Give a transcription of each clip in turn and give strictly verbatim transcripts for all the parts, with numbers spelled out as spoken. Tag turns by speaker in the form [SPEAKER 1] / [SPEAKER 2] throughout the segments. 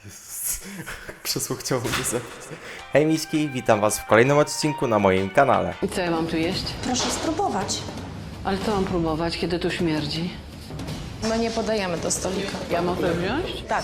[SPEAKER 1] Jezus. Krzesło chciało mnie zabić. Hej miśki, witam was w kolejnym odcinku na moim kanale.
[SPEAKER 2] I co ja mam tu jeść?
[SPEAKER 3] Proszę spróbować.
[SPEAKER 2] Ale co mam próbować, kiedy tu śmierdzi?
[SPEAKER 3] My nie podajemy do stolika.
[SPEAKER 2] Ja mogę wziąć?
[SPEAKER 3] Tak.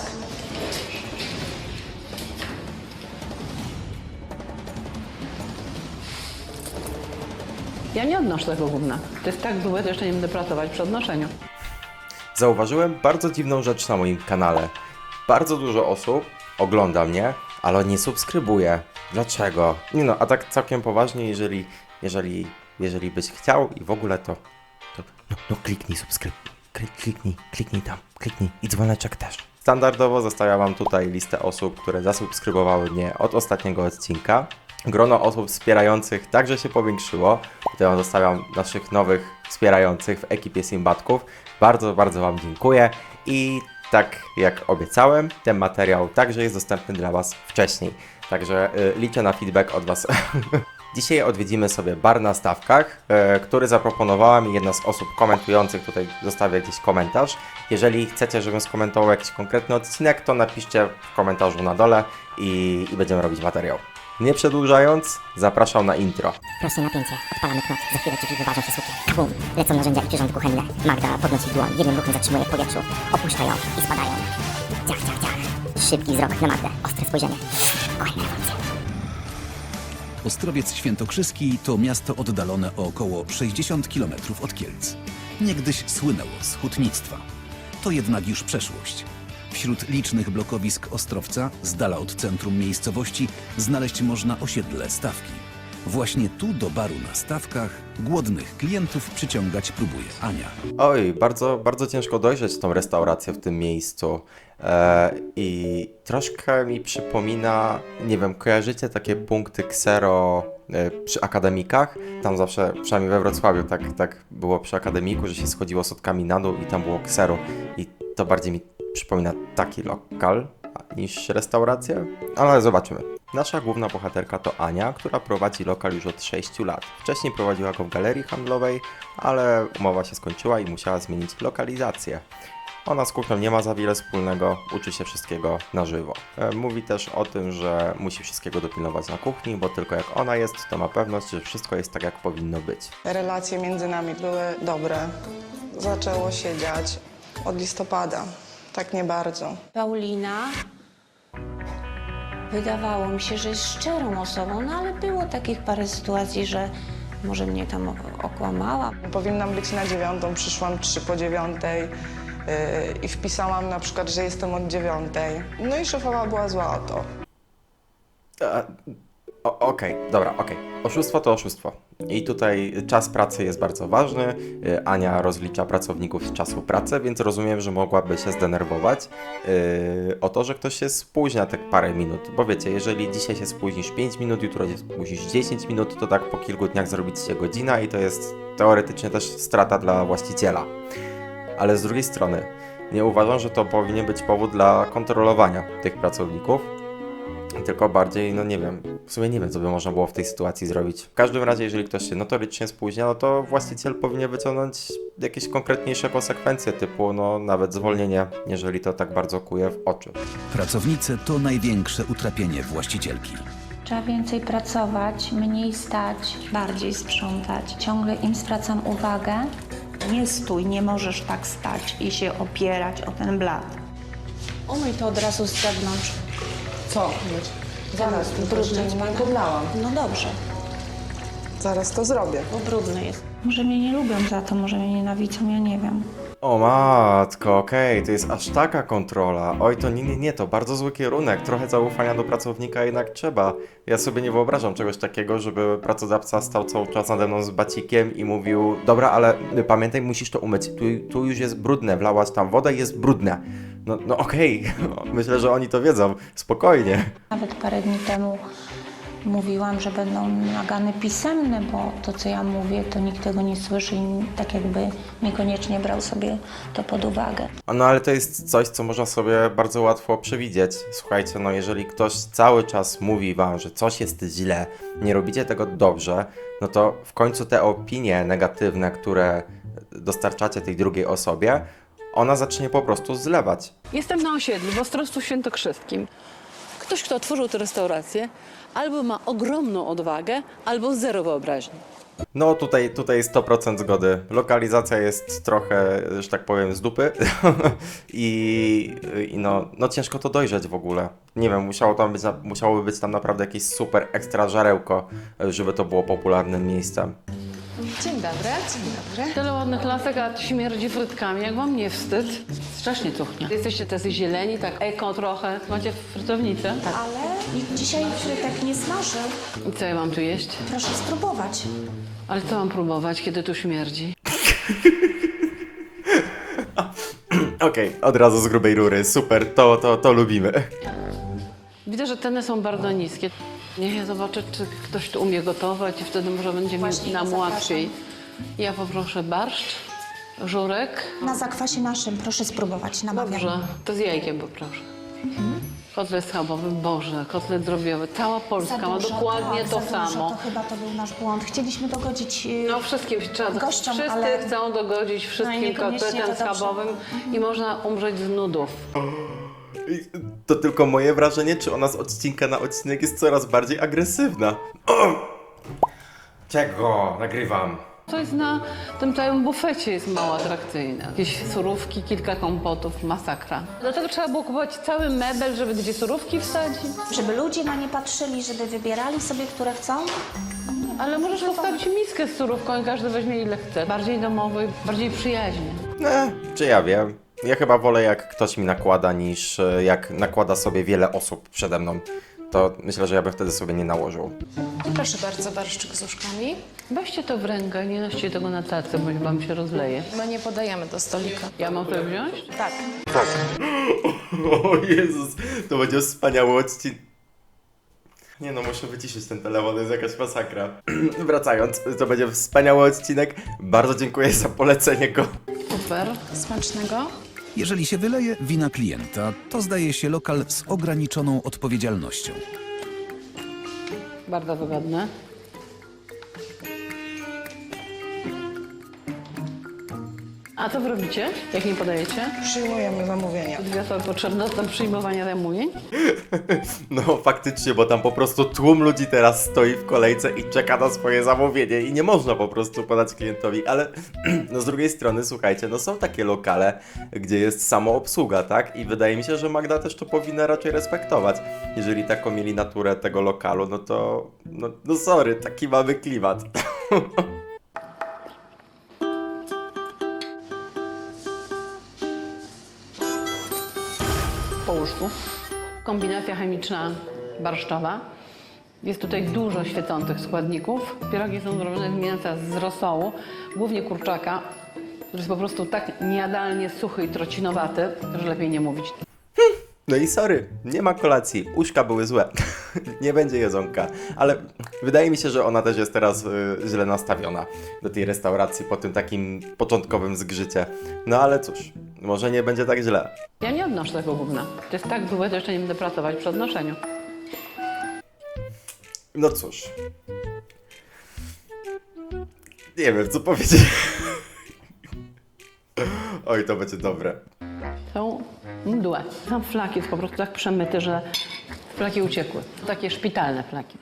[SPEAKER 2] Ja nie odnoszę tego gówna. To jest tak złe, że jeszcze nie będę pracować przy odnoszeniu.
[SPEAKER 1] Zauważyłem bardzo dziwną rzecz na moim kanale. Bardzo dużo osób ogląda mnie, ale nie subskrybuje. Dlaczego? Nie no, a tak całkiem poważnie, jeżeli, jeżeli, jeżeli byś chciał i w ogóle to, to no, no kliknij subskryb, kliknij, kliknij tam, kliknij i dzwoneczek też. Standardowo zostawiam wam tutaj listę osób, które zasubskrybowały mnie od ostatniego odcinka. Grono osób wspierających także się powiększyło. Tutaj wam zostawiam naszych nowych wspierających w ekipie Simbatków. Bardzo, bardzo wam dziękuję i tak jak obiecałem, ten materiał także jest dostępny dla was wcześniej. Także y, liczę na feedback od was. Dzisiaj odwiedzimy sobie bar na Stawkach, y, który zaproponowała mi jedna z osób komentujących. Tutaj zostawię jakiś komentarz. Jeżeli chcecie, żebym skomentował jakiś konkretny odcinek, to napiszcie w komentarzu na dole i, i będziemy robić materiał. Nie przedłużając, zapraszam na intro.
[SPEAKER 4] Proste napięcie, odpalamy knot, za chwilę drzwi wyważą się sukie. Bum, lecą narzędzia i przyrządy kuchenne. Magda podnosi dłoń, jednym ruchem zatrzymuje w powietrzu. Opuszcza ją i spadają. Ciach, ciach, ciach. Szybki wzrok na Magdę, ostre spojrzenie. Oj, nerwujące.
[SPEAKER 5] Ostrowiec Świętokrzyski to miasto oddalone o około sześćdziesiąt kilometrów od Kielc. Niegdyś słynęło z hutnictwa. To jednak już przeszłość. Wśród licznych blokowisk Ostrowca, z dala od centrum miejscowości, znaleźć można osiedle Stawki. Właśnie tu do baru na Stawkach głodnych klientów przyciągać próbuje Ania.
[SPEAKER 1] Oj, bardzo, bardzo ciężko dojrzeć tą restaurację w tym miejscu. E, I troszkę mi przypomina, nie wiem, kojarzycie takie punkty ksero e, przy akademikach? Tam zawsze, przynajmniej we Wrocławiu, tak, tak było przy akademiku, że się schodziło schodkami na dół i tam było ksero. I to bardziej mi przypomina taki lokal niż restaurację, ale zobaczymy. Nasza główna bohaterka to Ania, która prowadzi lokal już od sześciu lat. Wcześniej prowadziła go w galerii handlowej, ale umowa się skończyła i musiała zmienić lokalizację. Ona z kuchnią nie ma za wiele wspólnego, uczy się wszystkiego na żywo. E, Mówi też o tym, że musi wszystkiego dopilnować na kuchni, bo tylko jak ona jest, to ma pewność, że wszystko jest tak, jak powinno być.
[SPEAKER 6] Relacje między nami były dobre. Zaczęło się dziać od listopada. Tak nie bardzo.
[SPEAKER 7] Paulina wydawało mi się, że jest szczerą osobą, no ale było takich parę sytuacji, że może mnie tam o- okłamała.
[SPEAKER 6] Powinnam być na dziewiątą, przyszłam trzy po dziewiątej yy, i wpisałam na przykład, że jestem od dziewiątej. No i szefowa była zła o to.
[SPEAKER 1] E, o- Okej, dobra, okej. Oszustwo to oszustwo. I tutaj czas pracy jest bardzo ważny. E, Ania rozlicza pracowników z czasu pracy, więc rozumiem, że mogłaby się zdenerwować e, o to, że ktoś się spóźnia te parę minut. Bo wiecie, jeżeli dzisiaj się spóźnisz pięć minut, jutro się spóźnisz dziesięć minut, to tak po kilku dniach zrobić się godzina i to jest teoretycznie też strata dla właściciela. Ale z drugiej strony, nie uważam, że to powinien być powód dla kontrolowania tych pracowników. Tylko bardziej, no nie wiem, w sumie nie wiem, co by można było w tej sytuacji zrobić. W każdym razie, jeżeli ktoś się notorycznie spóźnia, no to właściciel powinien wyciągnąć jakieś konkretniejsze konsekwencje, typu no nawet zwolnienie, jeżeli to tak bardzo kuje w oczy.
[SPEAKER 5] Pracownice to największe utrapienie właścicielki.
[SPEAKER 8] Trzeba więcej pracować, mniej stać, bardziej sprzątać. Ciągle im zwracam uwagę.
[SPEAKER 9] Nie stój, nie możesz tak stać i się opierać o ten blat.
[SPEAKER 7] Umyj to od razu z zewnątrz.
[SPEAKER 6] Co? Zaraz,
[SPEAKER 7] Ten
[SPEAKER 6] tu jeszcze
[SPEAKER 7] brudny
[SPEAKER 6] nie
[SPEAKER 7] spada.
[SPEAKER 6] podlałam.
[SPEAKER 7] No dobrze,
[SPEAKER 6] Zaraz to zrobię.
[SPEAKER 7] bo brudny jest.
[SPEAKER 8] Może mnie nie lubią za to, może mnie nienawidzą, ja nie wiem.
[SPEAKER 1] O matko, okej, to jest aż taka kontrola. Oj, to nie, nie, nie, to bardzo zły kierunek. Trochę zaufania do pracownika jednak trzeba. Ja sobie nie wyobrażam czegoś takiego, żeby pracodawca stał cały czas nade mną z bacikiem i mówił: dobra, ale pamiętaj, musisz to umyć. Tu, tu już jest brudne, wlałaś tam wodę i jest brudne. No, no okej, myślę, że oni to wiedzą. Spokojnie.
[SPEAKER 8] Nawet parę dni temu mówiłam, że będą nagany pisemne, bo to, co ja mówię, to nikt tego nie słyszy i tak jakby niekoniecznie brał sobie to pod uwagę.
[SPEAKER 1] A no ale to jest coś, co można sobie bardzo łatwo przewidzieć. Słuchajcie, no jeżeli ktoś cały czas mówi wam, że coś jest źle, nie robicie tego dobrze, no to w końcu te opinie negatywne, które dostarczacie tej drugiej osobie, ona zacznie po prostu zlewać.
[SPEAKER 2] Jestem na osiedlu w Ostrowcu Świętokrzyskim. Ktoś, kto otworzył tę restaurację, albo ma ogromną odwagę, albo zero wyobraźni.
[SPEAKER 1] No tutaj, tutaj sto procent zgody. Lokalizacja jest trochę, że tak powiem, z dupy i, i no, no ciężko to dojrzeć w ogóle. Nie wiem, musiało tam być, musiałoby być tam naprawdę jakieś super ekstra żarełko, żeby to było popularnym miejscem.
[SPEAKER 3] Dzień dobry, dzień dobry.
[SPEAKER 2] Tyle ładnych lasek, a śmierdzi frytkami. Jak wam nie wstyd? Strasznie cuchnie. Jesteście tacy zieleni, tak eko trochę. Macie frytownicę? Tak.
[SPEAKER 8] Ale nikt dzisiaj frytek nie smażył.
[SPEAKER 2] I co ja mam tu jeść?
[SPEAKER 8] Proszę spróbować.
[SPEAKER 2] Ale co mam próbować, kiedy tu śmierdzi?
[SPEAKER 1] Okej, od razu z grubej rury, super, to, to, to lubimy.
[SPEAKER 2] Widzę, że ceny są bardzo niskie. Niech ja zobaczę, czy ktoś tu umie gotować i wtedy może będzie
[SPEAKER 8] Właśnie
[SPEAKER 2] mi nam
[SPEAKER 8] zapraszam.
[SPEAKER 2] łatwiej. Ja poproszę barszcz, żurek.
[SPEAKER 8] Na zakwasie naszym proszę spróbować, namawiam.
[SPEAKER 2] Dobrze, to z jajkiem poproszę. Kotlet schabowy, Boże, kotlet drobiowy. Cała Polska
[SPEAKER 8] Za
[SPEAKER 2] ma
[SPEAKER 8] dużo,
[SPEAKER 2] dokładnie
[SPEAKER 8] tak,
[SPEAKER 2] to
[SPEAKER 8] za
[SPEAKER 2] samo.
[SPEAKER 8] Dużo. To chyba to był nasz błąd. Chcieliśmy dogodzić yy,
[SPEAKER 2] No wszystkim trzeba,
[SPEAKER 8] gościom,
[SPEAKER 2] wszyscy
[SPEAKER 8] ale...
[SPEAKER 2] chcą dogodzić wszystkim
[SPEAKER 8] niekoniecznie
[SPEAKER 2] kotletem
[SPEAKER 8] to dobrze.
[SPEAKER 2] schabowym i można umrzeć z nudów.
[SPEAKER 1] To tylko moje wrażenie, czy ona z odcinka na odcinek jest coraz bardziej agresywna. O! Czego? Nagrywam.
[SPEAKER 2] To jest na tym całym bufecie jest mało atrakcyjne. Jakieś surówki, kilka kompotów, masakra. Dlatego trzeba było kupować cały mebel, żeby gdzie surówki wsadzić.
[SPEAKER 8] Żeby ludzie na nie patrzyli, żeby wybierali sobie, które chcą.
[SPEAKER 2] Ale możesz postawić miskę z surówką i każdy weźmie ile chce. Bardziej domowy, bardziej przyjaźnie.
[SPEAKER 1] Ne, czy ja wiem. Ja chyba wolę, jak ktoś mi nakłada, niż e, jak nakłada sobie wiele osób przede mną. To myślę, że ja bym wtedy sobie nie nałożył.
[SPEAKER 3] Proszę bardzo, barszczyk z uszkami.
[SPEAKER 2] Weźcie to w rękę, nie noście tego na tacy, bo wam się rozleje.
[SPEAKER 3] My nie podajemy do stolika.
[SPEAKER 2] Ja mam to wziąć?
[SPEAKER 3] Tak.
[SPEAKER 1] O Jezus, to będzie wspaniały odcinek. Nie no, muszę wyciszyć ten telefon, to jest jakaś masakra. Wracając, to będzie wspaniały odcinek. Bardzo dziękuję za polecenie go.
[SPEAKER 2] Super.
[SPEAKER 3] Smacznego.
[SPEAKER 5] Jeżeli się wyleje wina klienta, to zdaje się lokal z ograniczoną odpowiedzialnością.
[SPEAKER 2] Bardzo wygodne. A co wy robicie, jak nie podajecie?
[SPEAKER 6] Przyjmujemy zamówienia.
[SPEAKER 2] Dwie osoby potrzebne do przyjmowania zamówień?
[SPEAKER 1] No faktycznie, bo tam po prostu tłum ludzi teraz stoi w kolejce i czeka na swoje zamówienie i nie można po prostu podać klientowi, ale no z drugiej strony, słuchajcie, no są takie lokale, gdzie jest samoobsługa, tak? I wydaje mi się, że Magda też to powinna raczej respektować. Jeżeli taką mieli naturę tego lokalu, no to, no, no sorry, taki mamy klimat.
[SPEAKER 2] Po łóżku. Kombinacja chemiczna barszczowa. Jest tutaj dużo świecących składników. Pierogi są zrobione z mięsa z rosołu, głównie kurczaka, który jest po prostu tak niejadalnie suchy i trocinowaty, że lepiej nie mówić.
[SPEAKER 1] No i sorry, nie ma kolacji, uszka były złe, nie będzie jedzonka, ale wydaje mi się, że ona też jest teraz y, źle nastawiona do tej restauracji po tym takim początkowym zgrzycie. No ale cóż, może nie będzie tak źle.
[SPEAKER 2] Ja nie odnoszę tego gówna. To jest tak złe, to jeszcze nie będę pracować przy odnoszeniu.
[SPEAKER 1] No cóż. Nie wiem, co powiedzieć. Oj, to będzie dobre.
[SPEAKER 2] Są mdłe. Sam flak jest po prostu tak przemyty, że flaki uciekły. Takie szpitalne flaki.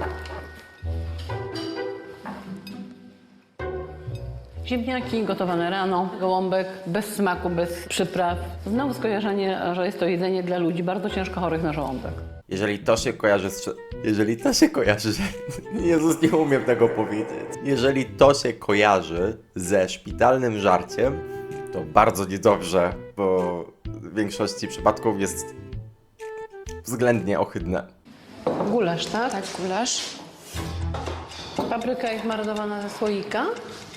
[SPEAKER 2] Ziemniaki gotowane rano, gołąbek, bez smaku, bez przypraw. Znowu skojarzenie, że jest to jedzenie dla ludzi bardzo ciężko chorych na żołądek.
[SPEAKER 1] Jeżeli to się kojarzy z... Jeżeli to się kojarzy... Jezus, nie umiem tego powiedzieć. Jeżeli to się kojarzy ze szpitalnym żarciem, to bardzo niedobrze, bo w większości przypadków jest względnie ohydne.
[SPEAKER 2] Gulasz, tak?
[SPEAKER 3] Tak, gulasz.
[SPEAKER 2] Papryka jest marynowana ze słoika.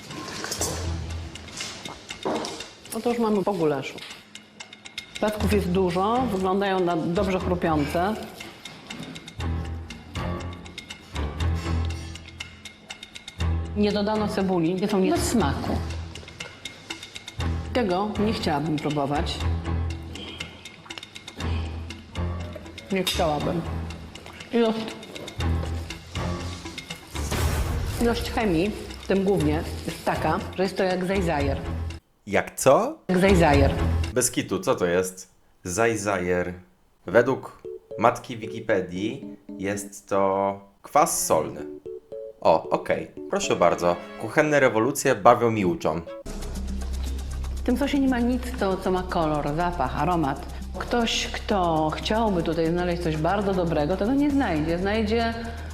[SPEAKER 2] No to już mamy po gulaszu. Płatków jest dużo, wyglądają na dobrze chrupiące. Nie dodano cebuli, nie są nie bez smaku. Tego nie chciałabym próbować. Nie chciałabym. Ilość, ilość chemii, w tym głównie, jest taka, że jest to jak zajzajer.
[SPEAKER 1] Jak co?
[SPEAKER 2] Jak zajzajer.
[SPEAKER 1] Bez kitu, co to jest? Zajzajer. Według matki Wikipedii jest to kwas solny. O, okej. Proszę bardzo. Kuchenne rewolucje bawią mi uczą.
[SPEAKER 2] W tym sosie nie ma nic, to, co ma kolor, zapach, aromat. Ktoś, kto chciałby tutaj znaleźć coś bardzo dobrego, tego nie znajdzie. Znajdzie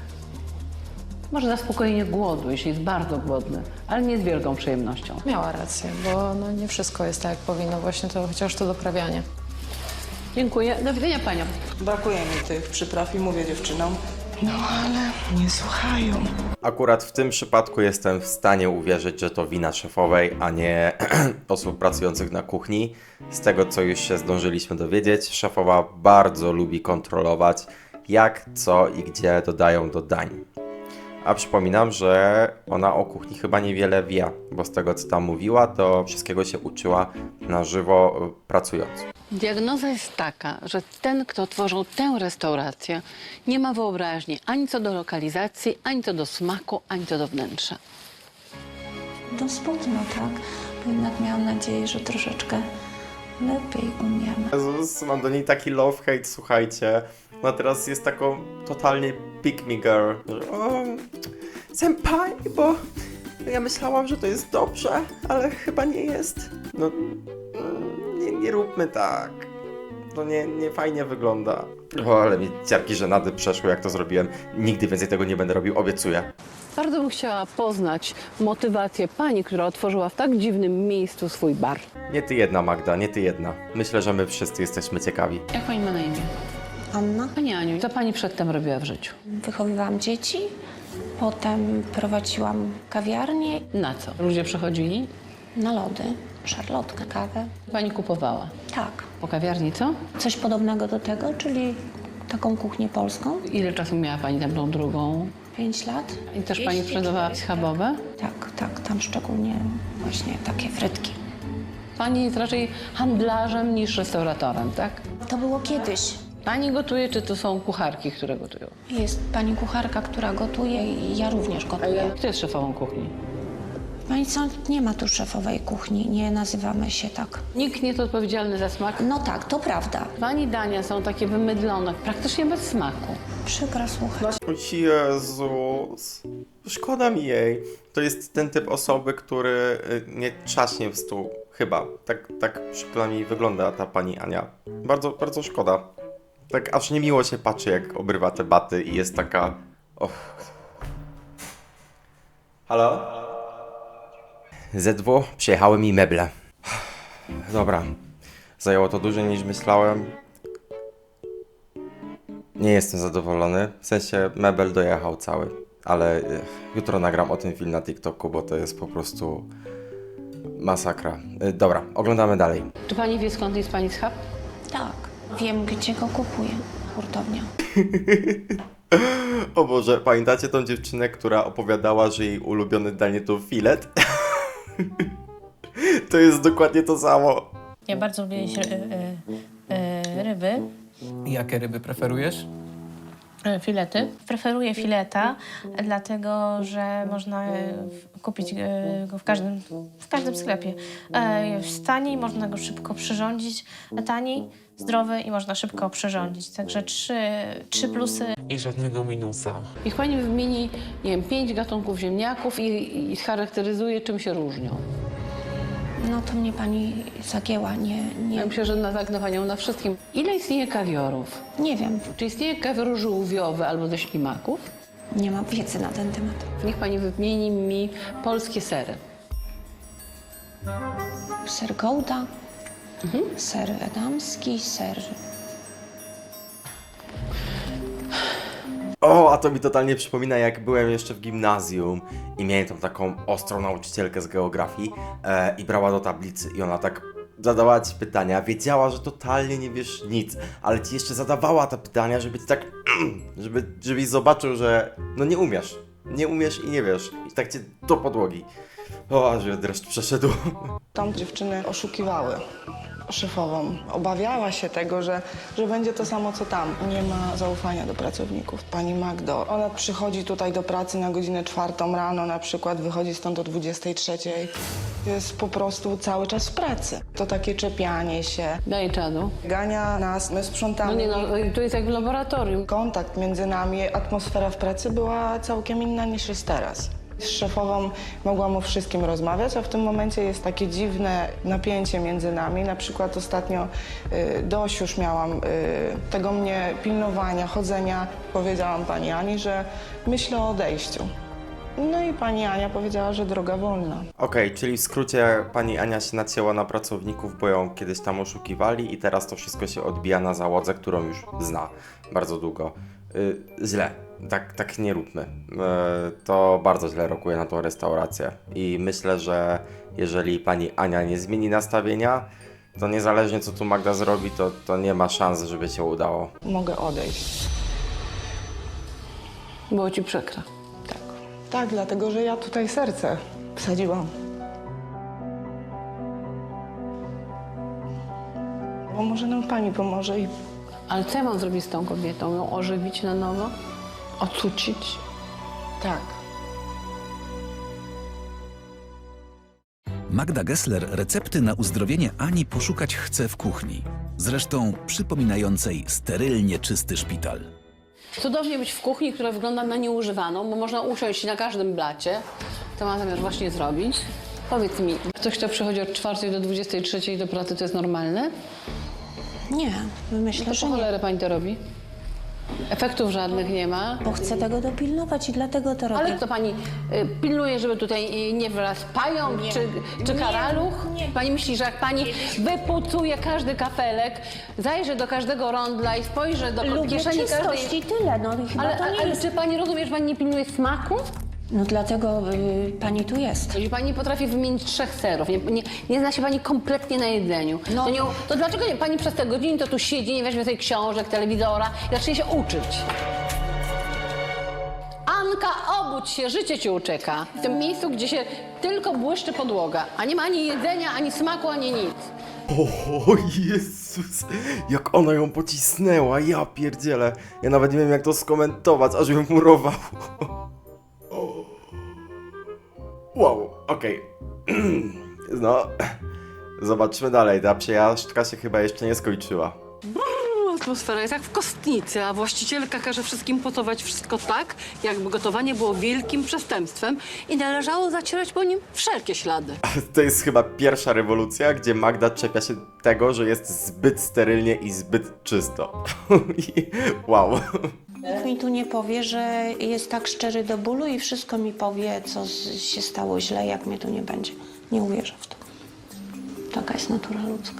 [SPEAKER 2] może zaspokojenie głodu, jeśli jest bardzo głodny, ale nie z wielką przyjemnością.
[SPEAKER 3] Miała rację, bo no nie wszystko jest tak, jak powinno. Właśnie to chociaż to doprawianie.
[SPEAKER 2] Dziękuję. Do widzenia paniom.
[SPEAKER 6] Brakuje mi tych przypraw i mówię dziewczynom, no ale nie słuchają.
[SPEAKER 1] Akurat w tym przypadku jestem w stanie uwierzyć, że to wina szefowej, a nie osób pracujących na kuchni. Z tego, co już się zdążyliśmy dowiedzieć, szefowa bardzo lubi kontrolować, jak, co i gdzie dodają do dań. A przypominam, że ona o kuchni chyba niewiele wie, bo z tego, co tam mówiła, to wszystkiego się uczyła na żywo pracując.
[SPEAKER 2] Diagnoza jest taka, że ten, kto tworzył tę restaurację, nie ma wyobraźni ani co do lokalizacji, ani co do smaku, ani co do wnętrza.
[SPEAKER 8] To smutno, tak? Bo jednak miałam nadzieję, że troszeczkę lepiej umiem.
[SPEAKER 1] Jezus, mam do niej taki love-hate, słuchajcie. Ona teraz jest taką totalnie pick me girl. Że, o, senpai, bo ja myślałam, że to jest dobrze, ale chyba nie jest. No, nie, nie róbmy tak. To nie, nie fajnie wygląda. O, ale mi ciarki żenady przeszły, jak to zrobiłem. Nigdy więcej tego nie będę robił, obiecuję.
[SPEAKER 2] Bardzo bym chciała poznać motywację pani, która otworzyła w tak dziwnym miejscu swój bar.
[SPEAKER 1] Nie ty jedna, Magda, nie ty jedna. Myślę, że my wszyscy jesteśmy ciekawi.
[SPEAKER 2] Jak pani ma na imię?
[SPEAKER 8] Anna?
[SPEAKER 2] Pani Aniu, co pani przedtem robiła w życiu?
[SPEAKER 8] Wychowywałam dzieci, potem prowadziłam kawiarnię
[SPEAKER 2] Na co? Ludzie przychodzili?
[SPEAKER 8] na lody, szarlotkę, kawę.
[SPEAKER 2] Pani kupowała.
[SPEAKER 8] Tak,
[SPEAKER 2] Po kawiarni co?
[SPEAKER 8] coś podobnego do tego, czyli taką kuchnię polską.
[SPEAKER 2] Ile czasu miała pani tam tą drugą?
[SPEAKER 8] Pięć lat.
[SPEAKER 2] I też pani sprzedawała schabowe?
[SPEAKER 8] Tak, tak, tam szczególnie właśnie takie frytki.
[SPEAKER 2] Pani jest raczej handlarzem niż restauratorem, tak?
[SPEAKER 8] To było kiedyś.
[SPEAKER 2] Pani gotuje, czy to są kucharki, które gotują?
[SPEAKER 8] Jest pani kucharka, która gotuje i ja również gotuję.
[SPEAKER 2] Kto jest szefową kuchni?
[SPEAKER 8] Pani co, nie ma tu szefowej kuchni, nie nazywamy się tak.
[SPEAKER 2] Nikt nie jest odpowiedzialny za smak.
[SPEAKER 8] No tak, to prawda.
[SPEAKER 2] Pani dania są takie wymydlone, praktycznie bez smaku.
[SPEAKER 8] Przykro słuchać.
[SPEAKER 1] O Jezus, szkoda mi jej. To jest ten typ osoby, który y, nie trzaśnie w stół. Chyba. Tak, tak przykro mi wygląda ta pani Ania. Bardzo, bardzo szkoda. Tak aż niemiło się patrzy, jak obrywa te baty i jest taka... Och. Halo? Z W, przyjechały mi meble. Dobra. Zajęło to dłużej niż myślałem. Nie jestem zadowolony, w sensie mebel dojechał cały, ale y, jutro nagram o tym film na TikToku, bo to jest po prostu masakra. Y, dobra, oglądamy dalej.
[SPEAKER 2] Czy pani wie, skąd jest pani schab?
[SPEAKER 8] Tak, wiem gdzie go kupuję. Hurtownia.
[SPEAKER 1] O Boże, pamiętacie tą dziewczynę, która opowiadała, że jej ulubione danie to filet? To jest dokładnie to samo.
[SPEAKER 10] Ja bardzo lubię jeść ry- y, y, ryby,
[SPEAKER 11] Jakie ryby preferujesz?
[SPEAKER 10] y, filety. Preferuję fileta, dlatego że można y, w- kupić y, go w każdym, w każdym sklepie. E, Jest taniej, można go szybko przyrządzić, taniej, zdrowy i można szybko przyrządzić. Także trzy, trzy plusy.
[SPEAKER 11] I żadnego minusa.
[SPEAKER 2] Niech pani wymieni, nie wiem, pięć gatunków ziemniaków i, i scharakteryzuje, czym się różnią.
[SPEAKER 8] No to mnie pani zagięła, nie, nie,
[SPEAKER 2] Ja myślę, że natknę panią na wszystkim. Ile istnieje kawiorów?
[SPEAKER 8] nie wiem,
[SPEAKER 2] Czy istnieje kawior żółwiowy albo ze ślimaków?
[SPEAKER 8] nie mam wiedzy na ten temat.
[SPEAKER 2] Niech pani wymieni mi polskie sery.
[SPEAKER 8] Ser Gouda, ser edamski, ser...
[SPEAKER 1] O, a to mi totalnie przypomina, jak byłem jeszcze w gimnazjum i miałem tam taką ostrą nauczycielkę z geografii e, i brała do tablicy i ona tak zadawała ci pytania, wiedziała, że totalnie nie wiesz nic, ale ci jeszcze zadawała te pytania, żeby ci tak, żeby, żebyś zobaczył, że no nie umiesz, nie umiesz i nie wiesz i tak cię do podłogi. O, aż mnie dreszcz przeszedł.
[SPEAKER 6] Tam dziewczyny oszukiwały. szefową. Obawiała się tego, że, że będzie to samo co tam. Nie ma zaufania do pracowników. Pani Magdo, ona przychodzi tutaj do pracy na godzinę czwartą rano na przykład, wychodzi stąd o dwudziestej trzeciej. Jest po prostu cały czas w pracy. To takie czepianie się,
[SPEAKER 2] Daj czadu.
[SPEAKER 6] gania nas, my sprzątamy.
[SPEAKER 2] No nie no, tu jest jak w laboratorium.
[SPEAKER 6] Kontakt między nami, atmosfera w pracy była całkiem inna niż jest teraz. Z szefową mogłam o wszystkim rozmawiać, a w tym momencie jest takie dziwne napięcie między nami. Na przykład ostatnio y, dość już miałam y, tego mnie pilnowania, chodzenia. Powiedziałam pani Ani, że myślę o odejściu. No i pani Ania powiedziała, że droga wolna.
[SPEAKER 1] Okej, czyli w skrócie pani Ania się nacięła na pracowników, bo ją kiedyś tam oszukiwali i teraz to wszystko się odbija na załodze, którą już zna bardzo długo. Yy, źle. Tak, tak nie róbmy. Yy, to bardzo źle rokuje na tą restaurację. I myślę, że jeżeli pani Ania nie zmieni nastawienia, to niezależnie co tu Magda zrobi, to, to nie ma szans, żeby się udało.
[SPEAKER 6] Mogę odejść.
[SPEAKER 2] Było ci przykro.
[SPEAKER 6] Tak. Tak, dlatego że ja tutaj serce wsadziłam. Bo może nam pani pomoże i
[SPEAKER 2] Ale co ja mam zrobić z tą kobietą? Ją ożywić na nowo? Ocucić?
[SPEAKER 6] tak.
[SPEAKER 5] Magda Gessler recepty na uzdrowienie Ani poszukać chce w kuchni. Zresztą przypominającej sterylnie czysty szpital.
[SPEAKER 2] Cudownie być w kuchni, która wygląda na nieużywaną, bo można usiąść na każdym blacie. To mam zamiar właśnie zrobić. Powiedz mi, ktoś, kto przychodzi od czwartej do dwudziestej trzeciej do pracy, to jest normalne?
[SPEAKER 7] Nie, myślę,
[SPEAKER 2] To
[SPEAKER 7] że
[SPEAKER 2] po
[SPEAKER 7] nie.
[SPEAKER 2] cholerę pani to robi? Efektów żadnych nie ma.
[SPEAKER 7] Bo chcę tego dopilnować i dlatego to robię.
[SPEAKER 2] Ale kto pani y, pilnuje, żeby tutaj y, nie wylazł pająk czy, czy karaluch? Pani myśli, że jak pani wypucuje każdy kafelek, zajrzy do każdego rondla i spojrzy do
[SPEAKER 7] Lubię
[SPEAKER 2] kieszeni
[SPEAKER 7] czystość
[SPEAKER 2] każdej...
[SPEAKER 7] i tyle, no i chyba
[SPEAKER 2] Ale,
[SPEAKER 7] to nie
[SPEAKER 2] ale
[SPEAKER 7] jest...
[SPEAKER 2] czy pani rozumie, że pani nie pilnuje smaku?
[SPEAKER 7] No dlatego y, pani tu jest.
[SPEAKER 2] Jeżeli pani nie potrafi wymienić trzech serów, nie, nie, nie zna się pani kompletnie na jedzeniu,
[SPEAKER 7] No.
[SPEAKER 2] to, nie, to dlaczego nie, pani przez te godziny to tu siedzi, nie weźmie sobie książek, telewizora i zacznie się uczyć? Anka, obudź się, życie ci ucieka. W tym miejscu, gdzie się tylko błyszczy podłoga, a nie ma ani jedzenia, ani smaku, ani nic.
[SPEAKER 1] O Jezus, jak ona ją pocisnęła, ja pierdzielę. Ja nawet nie wiem jak to skomentować, aż bym murował. Wow, okej. No, zobaczmy dalej, ta przejażdżka się chyba jeszcze nie skończyła.
[SPEAKER 12] Atmosfera jest jak w kostnicy, a właścicielka każe wszystkim potować wszystko tak, jakby gotowanie było wielkim przestępstwem i należało zacierać po nim wszelkie ślady.
[SPEAKER 1] To jest chyba pierwsza rewolucja, gdzie Magda czepia się tego, że jest zbyt sterylnie i zbyt czysto. Wow.
[SPEAKER 7] Nikt mi tu nie powie, że jest tak szczery do bólu i wszystko mi powie, co z- się stało źle, jak mnie tu nie będzie. Nie uwierzę w to. Taka jest natura ludzka.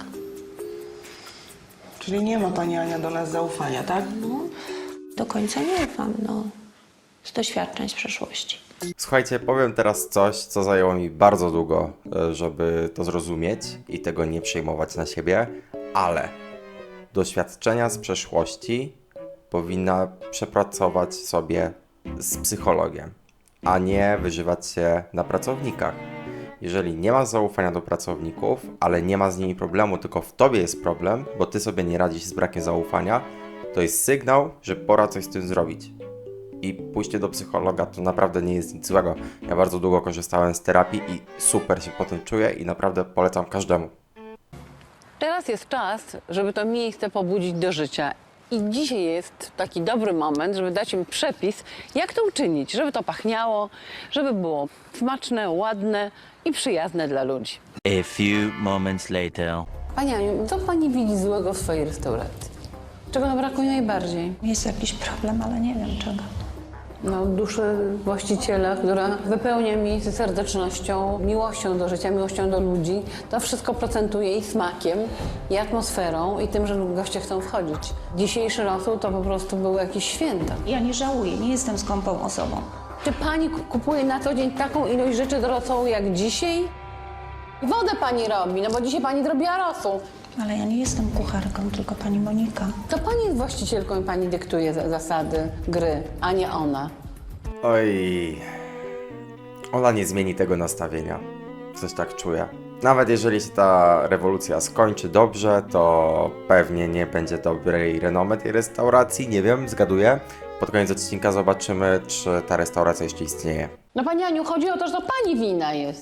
[SPEAKER 6] Czyli nie ma pani Ania do nas zaufania, tak?
[SPEAKER 7] No, do końca nie ufam, no. Z doświadczeń z przeszłości.
[SPEAKER 1] Słuchajcie, powiem teraz coś, co zajęło mi bardzo długo, e, żeby to zrozumieć i tego nie przejmować na siebie, ale doświadczenia z przeszłości powinna przepracować sobie z psychologiem, a nie wyżywać się na pracownikach. Jeżeli nie masz zaufania do pracowników, ale nie ma z nimi problemu, tylko w tobie jest problem, bo ty sobie nie radzisz z brakiem zaufania, to jest sygnał, że pora coś z tym zrobić. I pójście do psychologa to naprawdę nie jest nic złego. Ja bardzo długo korzystałem z terapii i super się potem czuję i naprawdę polecam każdemu.
[SPEAKER 2] Teraz jest czas, żeby to miejsce pobudzić do życia. I dzisiaj jest taki dobry moment, żeby dać im przepis, jak to uczynić, żeby to pachniało, żeby było smaczne, ładne i przyjazne dla ludzi.
[SPEAKER 13] A few moments later.
[SPEAKER 2] Pani Aniu, co pani widzi złego w swojej restauracji? Czego nam brakuje najbardziej?
[SPEAKER 8] Jest jakiś problem, ale nie wiem czego.
[SPEAKER 2] No, duszy właściciela, która wypełnia miejsce serdecznością, miłością do życia, miłością do ludzi. To wszystko procentuje i smakiem, i atmosferą, i tym, że goście chcą wchodzić. Dzisiejszy rosół to po prostu było jakieś święto.
[SPEAKER 8] Ja nie żałuję, nie jestem skąpą osobą.
[SPEAKER 2] Czy pani ku- kupuje na co dzień taką ilość rzeczy do rosołu jak dzisiaj? I wodę pani robi, no bo dzisiaj pani zrobiła rosół.
[SPEAKER 8] Ale ja nie jestem kucharką, tylko pani Monika.
[SPEAKER 2] To pani jest właścicielką i pani dyktuje za- zasady gry, a nie ona.
[SPEAKER 1] Oj, ona nie zmieni tego nastawienia. Coś tak czuję. Nawet jeżeli się ta rewolucja skończy dobrze, to pewnie nie będzie dobrej renomy tej restauracji, nie wiem, zgaduję. Pod koniec odcinka zobaczymy, czy ta restauracja jeszcze istnieje.
[SPEAKER 2] No pani Aniu, chodzi o to, że to pani wina jest.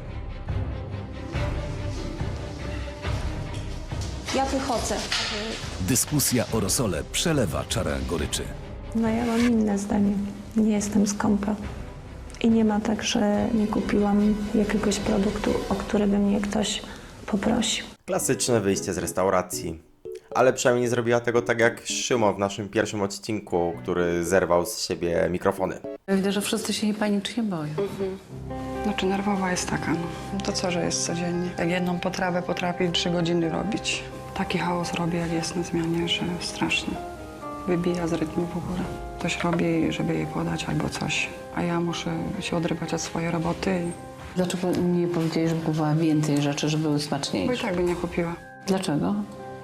[SPEAKER 8] Ja wychodzę.
[SPEAKER 5] Dyskusja o rosole przelewa czarę goryczy.
[SPEAKER 7] No ja mam inne zdanie. Nie jestem skąpa. I nie ma tak, że nie kupiłam jakiegoś produktu, o który by mnie ktoś poprosił.
[SPEAKER 1] Klasyczne wyjście z restauracji. Ale przynajmniej nie zrobiła tego tak jak Szymon w naszym pierwszym odcinku, który zerwał z siebie mikrofony.
[SPEAKER 2] Widzę, że wszyscy się jej panicznie boją.
[SPEAKER 14] Znaczy nerwowa jest taka, no. To co, że jest codziennie. Jak jedną potrawę potrafi trzy godziny robić. Taki chaos robi, jak jest na zmianie, że straszny. Wybija z rytmu w ogóle. Ktoś robi, żeby jej podać albo coś, a ja muszę się odrywać od swojej roboty.
[SPEAKER 2] Dlaczego nie powiedzieli, żeby kupowała więcej rzeczy, żeby były
[SPEAKER 14] Bo i
[SPEAKER 2] smaczniejsze?
[SPEAKER 14] tak by nie kupiła.
[SPEAKER 2] Dlaczego?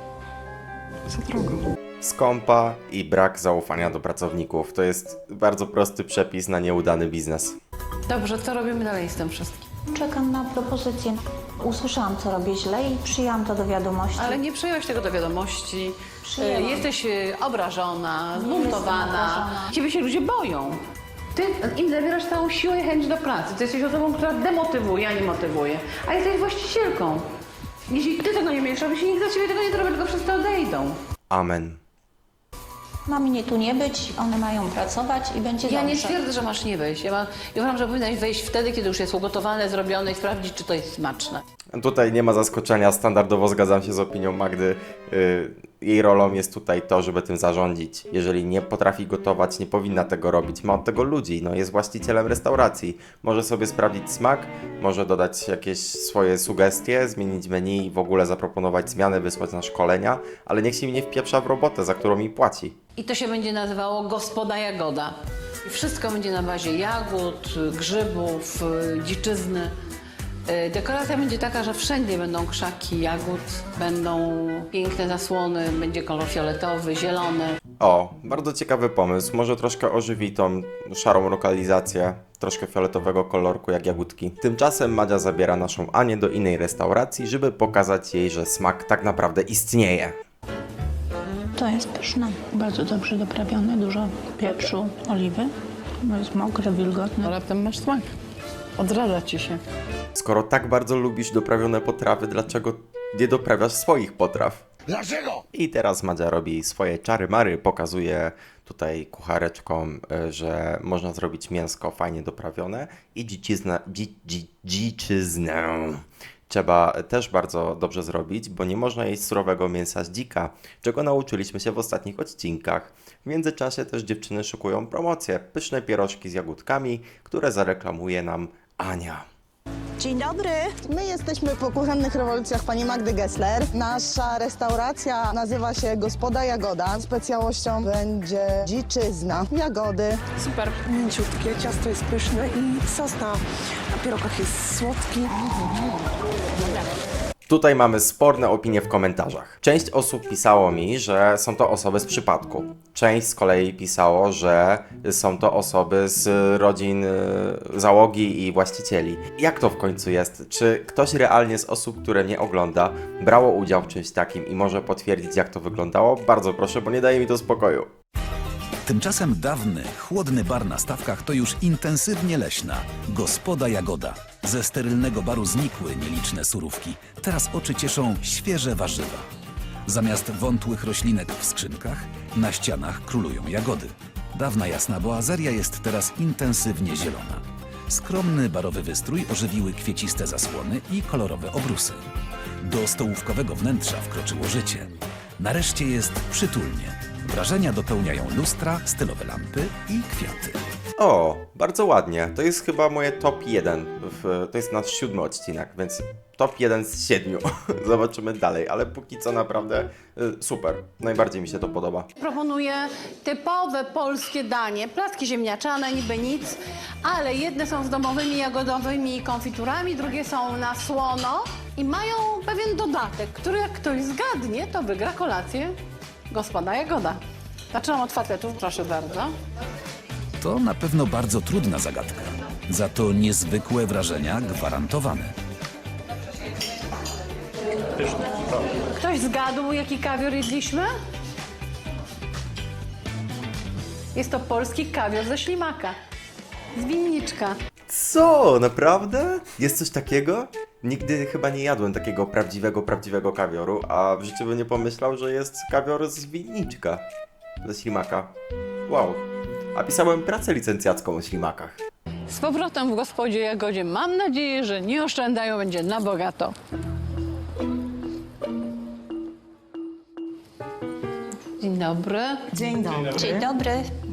[SPEAKER 14] Za drogo.
[SPEAKER 1] Skąpa i brak zaufania do pracowników. To jest bardzo prosty przepis na nieudany biznes.
[SPEAKER 2] Dobrze, co robimy dalej z tym wszystkim?
[SPEAKER 8] Czekam na propozycję. Usłyszałam, co robię źle i przyjęłam to do wiadomości.
[SPEAKER 2] Ale nie przyjęłaś tego do wiadomości.
[SPEAKER 8] Przyjęłam.
[SPEAKER 2] E, Jesteś e, obrażona, zbuntowana.
[SPEAKER 8] obrażona.
[SPEAKER 2] Ciebie się ludzie boją. Ty im zabierasz całą siłę i chęć do pracy. Ty jesteś osobą, która demotywuje, a nie motywuje. A jesteś właścicielką. Jeśli ty tego nie będziesz robić, nikt za ciebie tego nie zrobi, tylko wszyscy odejdą.
[SPEAKER 1] Amen.
[SPEAKER 8] Ma mnie tu nie być, one mają pracować i będzie
[SPEAKER 2] Ja
[SPEAKER 8] dobrze.
[SPEAKER 2] nie twierdzę, że masz nie wejść. Ja, ma, ja uważam, że powinnaś wejść wtedy, kiedy już jest ugotowane, zrobione i sprawdzić, czy to jest smaczne.
[SPEAKER 1] Tutaj nie ma zaskoczenia, standardowo zgadzam się z opinią Magdy. Yy, jej rolą jest tutaj to, żeby tym zarządzić. Jeżeli nie potrafi gotować, nie powinna tego robić. Ma od tego ludzi, no jest właścicielem restauracji. Może sobie sprawdzić smak, może dodać jakieś swoje sugestie, zmienić menu i w ogóle zaproponować zmiany, wysłać na szkolenia, ale niech się mi nie wpieprza w robotę, za którą mi płaci.
[SPEAKER 2] I to się będzie nazywało Gospoda Jagoda. I wszystko będzie na bazie jagód, grzybów, y, dziczyzny. Y, Dekoracja będzie taka, że wszędzie będą krzaki jagód, będą piękne zasłony, będzie kolor fioletowy, zielony.
[SPEAKER 1] O, bardzo ciekawy pomysł. Może troszkę ożywi tą szarą lokalizację, troszkę fioletowego kolorku jak jagódki. Tymczasem Madzia zabiera naszą Anię do innej restauracji, żeby pokazać jej, że smak tak naprawdę istnieje.
[SPEAKER 7] To jest pyszne. Bardzo dobrze doprawione, dużo pieprzu, oliwy. No jest mokre, wilgotne.
[SPEAKER 2] No raptem masz smak. Odradza ci się.
[SPEAKER 1] Skoro tak bardzo lubisz doprawione potrawy, dlaczego nie doprawiasz swoich potraw?
[SPEAKER 15] Dlaczego?
[SPEAKER 1] I teraz Madzia robi swoje czary-mary, pokazuje tutaj kuchareczkom, y, że można zrobić mięsko fajnie doprawione i dziczyznę, dzi, dzi, dziczyznę trzeba też bardzo dobrze zrobić, bo nie można jeść surowego mięsa z dzika, czego nauczyliśmy się w ostatnich odcinkach. W międzyczasie też dziewczyny szykują promocję, pyszne pierożki z jagódkami, które zareklamuje nam Ania.
[SPEAKER 6] Dzień dobry. My jesteśmy po kuchennych rewolucjach pani Magdy Gessler. Nasza restauracja nazywa się Gospoda Jagoda. Specjałością będzie dziczyzna, jagody.
[SPEAKER 14] Super mięciutkie, ciasto jest pyszne i sos na, na pierogach jest słodki.
[SPEAKER 1] Tutaj mamy sporne opinie w komentarzach. Część osób pisało mi, że są to osoby z przypadku. Część z kolei pisało, że są to osoby z rodzin y, załogi i właścicieli. Jak to w końcu jest? Czy ktoś realnie z osób, które mnie ogląda, brało udział w czymś takim i może potwierdzić, jak to wyglądało? Bardzo proszę, bo nie daje mi to spokoju.
[SPEAKER 5] Tymczasem dawny, chłodny bar na Stawkach to już intensywnie leśna Gospoda Jagoda. Ze sterylnego baru znikły nieliczne surówki. Teraz oczy cieszą świeże warzywa. Zamiast wątłych roślinek w skrzynkach, na ścianach królują jagody. Dawna jasna boazeria jest teraz intensywnie zielona. Skromny barowy wystrój ożywiły kwieciste zasłony i kolorowe obrusy. Do stołówkowego wnętrza wkroczyło życie. Nareszcie jest przytulnie. Wrażenia dopełniają lustra, stylowe lampy i kwiaty.
[SPEAKER 1] O, bardzo ładnie. To jest chyba moje top jeden. W, to jest nasz siódmy odcinek, więc top jeden z siedmiu. Zobaczymy dalej, ale póki co naprawdę y, super. Najbardziej mi się to podoba.
[SPEAKER 2] Proponuję typowe polskie danie. Placki ziemniaczane, niby nic, ale jedne są z domowymi jagodowymi konfiturami, drugie są na słono i mają pewien dodatek, który jak ktoś zgadnie, to wygra kolację Gospoda Jagoda. Zaczynam od fatetów, proszę bardzo.
[SPEAKER 5] To na pewno bardzo trudna zagadka. Za to niezwykłe wrażenia gwarantowane.
[SPEAKER 2] Ktoś zgadł, jaki kawior jedliśmy? Jest to polski kawior ze ślimaka. Z winniczka.
[SPEAKER 1] Co? Naprawdę? Jest coś takiego? Nigdy chyba nie jadłem takiego prawdziwego, prawdziwego kawioru, a w życiu bym nie pomyślał, że jest kawior z winniczka. Ze ślimaka. Wow. A pisałem pracę licencjacką o ślimakach.
[SPEAKER 2] Z powrotem w gospodzie Jagodzie. Mam nadzieję, że nie oszczędzają, będzie na bogato. Dzień dobry.
[SPEAKER 7] Dzień dobry.
[SPEAKER 8] Dzień dobry.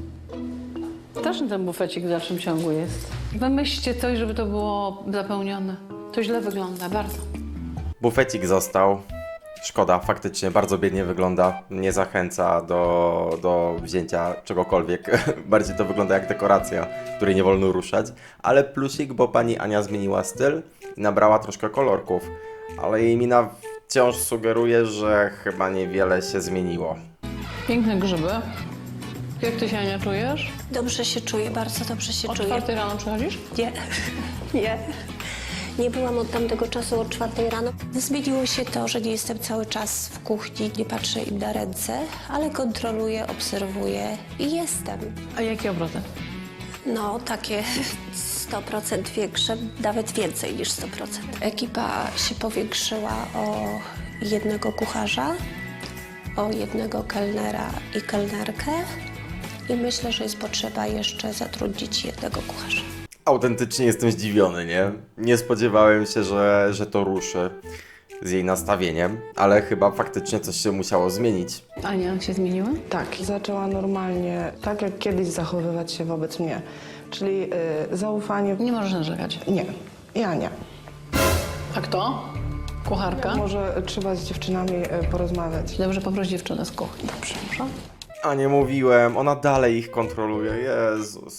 [SPEAKER 2] Też ten bufecik w dalszym ciągu jest. Wymyślcie coś, żeby to było zapełnione. To źle wygląda, bardzo.
[SPEAKER 1] Bufecik został. Szkoda, faktycznie bardzo biednie wygląda. Nie zachęca do, do wzięcia czegokolwiek. Bardziej to wygląda jak dekoracja, której nie wolno ruszać. Ale plusik, bo pani Ania zmieniła styl i nabrała troszkę kolorków. Ale jej mina wciąż sugeruje, że chyba niewiele się zmieniło.
[SPEAKER 2] Piękne grzyby. Jak ty się, Ania, czujesz?
[SPEAKER 7] Dobrze się czuję, bardzo dobrze się
[SPEAKER 2] O
[SPEAKER 7] czuję.
[SPEAKER 2] czwartej rano przychodzisz?
[SPEAKER 7] Nie, nie. Nie byłam od tamtego czasu od czwartej rano. Zmieniło się to, że nie jestem cały czas w kuchni, nie patrzę im na ręce, ale kontroluję, obserwuję i jestem.
[SPEAKER 2] A jakie obroty?
[SPEAKER 7] No, takie sto procent większe, nawet więcej niż sto procent. Ekipa się powiększyła o jednego kucharza, o jednego kelnera i kelnerkę i myślę, że jest potrzeba jeszcze zatrudnić jednego kucharza.
[SPEAKER 1] Autentycznie jestem zdziwiony, nie? Nie spodziewałem się, że, że to ruszy z jej nastawieniem, ale chyba faktycznie coś się musiało zmienić.
[SPEAKER 2] Ania, się zmieniła?
[SPEAKER 6] Tak, zaczęła normalnie, tak jak kiedyś zachowywać się wobec mnie. Czyli y, zaufanie...
[SPEAKER 2] Nie możesz narzekać.
[SPEAKER 6] Nie, ja nie.
[SPEAKER 2] A kto? Kucharka?
[SPEAKER 6] Może trzeba z dziewczynami y, porozmawiać.
[SPEAKER 2] Dobrze, poproś dziewczynę z kuchni.
[SPEAKER 6] Dobrze.
[SPEAKER 1] A nie mówiłem, ona dalej ich kontroluje, Jezus.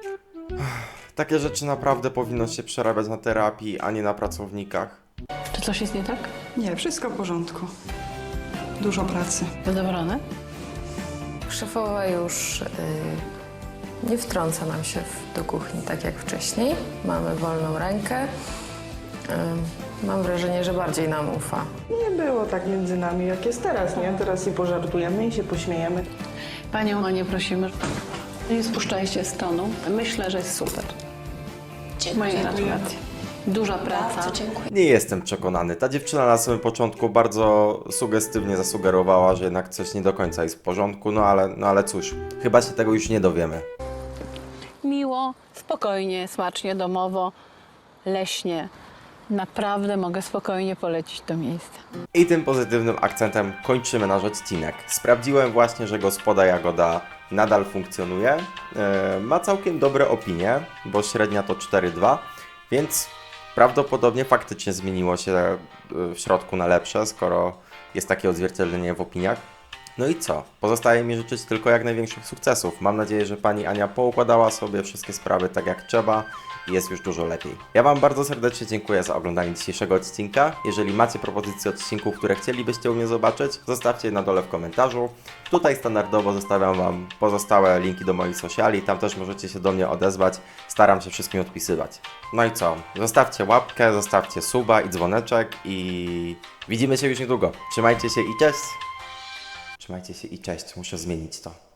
[SPEAKER 1] Takie rzeczy naprawdę powinno się przerabiać na terapii, a nie na pracownikach.
[SPEAKER 2] Czy coś jest nie tak?
[SPEAKER 14] Nie, wszystko w porządku. Dużo pracy.
[SPEAKER 2] Zadowolony?
[SPEAKER 3] Szefowa już y, nie wtrąca nam się w, do kuchni tak jak wcześniej. Mamy wolną rękę. Y, mam wrażenie, że bardziej nam ufa.
[SPEAKER 6] Nie było tak między nami, jak jest teraz, nie? Teraz i pożartujemy i się pośmiejemy.
[SPEAKER 2] Panią Anię prosimy, nie spuszczajcie z tonu. Myślę, że jest super.
[SPEAKER 7] Dziękuję.
[SPEAKER 2] Moje gratulacje. Duża praca.
[SPEAKER 7] Bardzo dziękuję.
[SPEAKER 1] Nie jestem przekonany. Ta dziewczyna na samym początku bardzo sugestywnie zasugerowała, że jednak coś nie do końca jest w porządku, no ale, no ale cóż, chyba się tego już nie dowiemy.
[SPEAKER 2] Miło, spokojnie, smacznie, domowo, leśnie. Naprawdę mogę spokojnie polecić to miejsce.
[SPEAKER 1] I tym pozytywnym akcentem kończymy nasz odcinek. Sprawdziłem właśnie, że gospoda Jagoda nadal funkcjonuje. Yy, ma całkiem dobre opinie, bo średnia to cztery dwa, więc prawdopodobnie faktycznie zmieniło się w środku na lepsze, skoro jest takie odzwierciedlenie w opiniach. No i co? Pozostaje mi życzyć tylko jak największych sukcesów. Mam nadzieję, że pani Ania poukładała sobie wszystkie sprawy tak jak trzeba i jest już dużo lepiej. Ja Wam bardzo serdecznie dziękuję za oglądanie dzisiejszego odcinka. Jeżeli macie propozycje odcinków, które chcielibyście u mnie zobaczyć, zostawcie je na dole w komentarzu. Tutaj standardowo zostawiam Wam pozostałe linki do moich sociali, tam też możecie się do mnie odezwać. Staram się wszystkim odpisywać. No i co? Zostawcie łapkę, zostawcie suba i dzwoneczek i widzimy się już niedługo. Trzymajcie się i cześć! Trzymajcie się i cześć, muszę zmienić to.